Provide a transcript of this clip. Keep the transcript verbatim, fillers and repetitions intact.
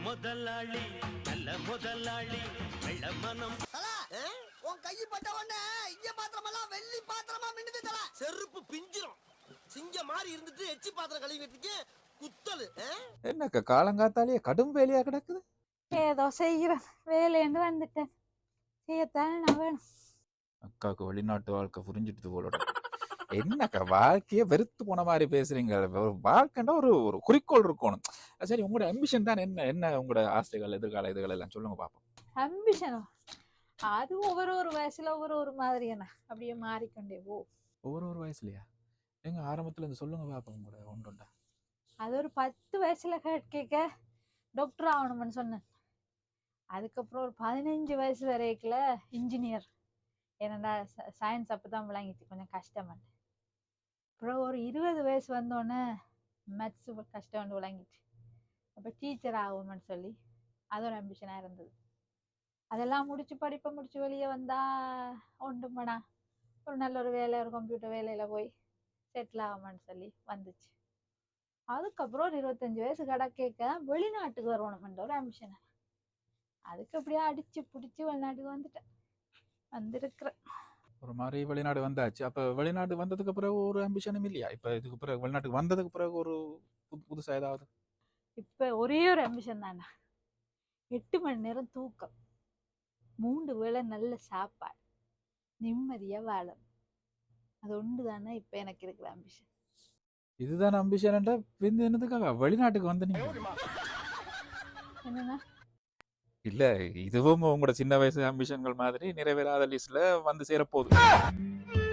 முதலாளி நல்ல முதலாளி வெள்ள மனம் உன் கை பட்ட உடனே இங்க பாத்திரமெல்லாம் வெள்ளி பாத்திரமா மின்னுது தல. செருப்பு பிஞ்சிரும். சிங்க மாதிரி இருந்துட்டு எச்சி பாத்திரம் கழுவிட்டு குத்தலு. என்னக்கா காலங்காத்தாலேயே கடும் வேலையா கிடக்குது. ஏதோ செய்கிறேன், வேலையேண்டு வந்துட்டேன், செய்யத்தானே நான் வேணும். அக்காவுக்கு வெளிநாட்டு வாழ்க்கை புரிஞ்சிட்டு போலோட. என்னக்கா வாழ்க்கையே வெறுத்து போன மாதிரி பேசுறீங்க. வாழ்க்கைன்னா ஒரு ஒரு குறிக்கோள் இருக்கணும். சரி, உங்களோட அம்பிஷன் தான் என்ன? என்ன உங்களோட ஆசைகள், எதிர்கால இதுகள் எல்லாம் சொல்லுங்க பாப்போம். அம்பிஷனோ? அது ஒவ்வொரு ஒரு வயசுல ஒவ்வொரு ஒரு மாதிரி என்ன அப்படியே மாறிக்கொண்டே போ. ஒவ்வொரு ஒரு வயசுலயா? எங்க ஆரம்பத்துல இருந்து சொல்லுங்க பாப்போம் உங்களோட ஒன்றுண்டா. அது ஒரு பத்து வயசுல கேட்க டாக்டர் ஆகணும்னு சொன்னேன். அதுக்கப்புறம் ஒரு பதினஞ்சு வயசு வரைக்குல இன்ஜினியர். ஏன்னா சயின்ஸ் அப்பதான் விளங்கிச்சு, கொஞ்சம் கஷ்டமாட்டு. அப்புறம் ஒரு இருபது வயசு வந்தோடனே மேத்ஸ் கஷ்டம் விளங்கிச்சு. அப்போ டீச்சர் ஆகும்னு சொல்லி அது ஒரு அம்பிஷனாக இருந்தது. அதெல்லாம் முடிச்சு படிப்பை முடிச்சு வெளியே வந்தா ஒன்றுமடா ஒரு நல்ல ஒரு வேலை, ஒரு கம்ப்யூட்டர் வேலையில போய் செட்டில் ஆகும்னு சொல்லி வந்துச்சு. அதுக்கப்புறம் ஒரு இருபத்தஞ்சு வயசு கடை கேட்க வெளிநாட்டுக்கு வரணும்ன்ற ஒரு அம்பிஷனை. அதுக்கு அப்படியே அடிச்சு பிடிச்சி வெளிநாட்டுக்கு வந்துட்டேன், வந்திருக்கிறேன். ஒரு மாதிரி வெளிநாடு வந்தாச்சு. அப்ப வெளிநாடு வந்ததுக்கு பிறகு ஒரு அம்பிஷனும் இல்லையா? இப்ப இதுக்கு பிறகு வெளிநாட்டுக்கு வந்ததுக்கு பிறகு ஒரு புது புதுசா ஏதாவது? இப்ப ஒரே ஒரு அம்பிஷன் தானே, எட்டு மணி நேரம் தூக்கம், மூன்று வேளை நல்ல சாப்பாடு, நிம்மதியா வாழும். அது ஒன்று தானே இப்ப எனக்கு இருக்கிற அம்பிஷன். இதுதான் அம்பிஷன்டா? பின் என்னதுக்காக வெளிநாட்டுக்கு வந்து நீங்க? என்னன்னா இல்ல, இதுவும் உங்களோட சின்ன வயசு அம்பிஷன்கள் மாதிரி நிறைவேறாத லிஸ்ட்ல வந்து சேரப்போகுது.